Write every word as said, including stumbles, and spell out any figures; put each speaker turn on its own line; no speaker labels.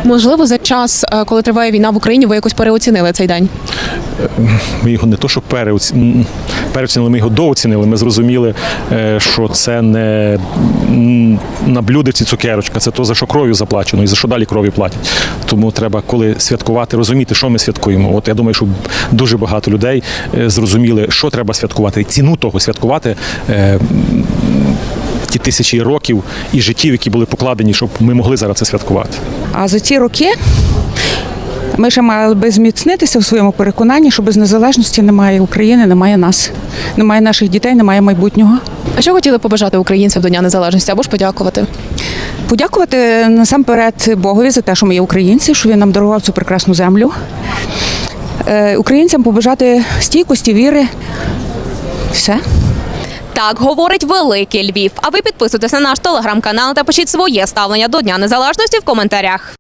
Можливо, за час, коли триває війна в Україні, ви якось переоцінили цей день?
Ми його не то, що переоцінили, переоцінили, ми його дооцінили. Ми зрозуміли, що це не на блюдечці цукерочка, це то, за що кров'ю заплачено і за що далі кров'ю платять. Тому треба, коли святкувати, розуміти, що ми святкуємо. От я думаю, що дуже багато людей зрозуміли, що треба святкувати, ціну того святкувати, ті тисячі років і життів, які були покладені, щоб ми могли зараз це святкувати.
А за ці роки ми ще мали би зміцнитися в своєму переконанні, що без незалежності немає України, немає нас, немає наших дітей, немає майбутнього.
А що хотіли побажати українцям до Дня Незалежності або ж подякувати?
Подякувати насамперед Богові за те, що ми є українці, що він нам дарував цю прекрасну землю. Українцям побажати стійкості, віри. Все.
Так говорить Великий Львів. А ви підписуйтесь на наш телеграм-канал та пишіть своє ставлення до Дня Незалежності в коментарях.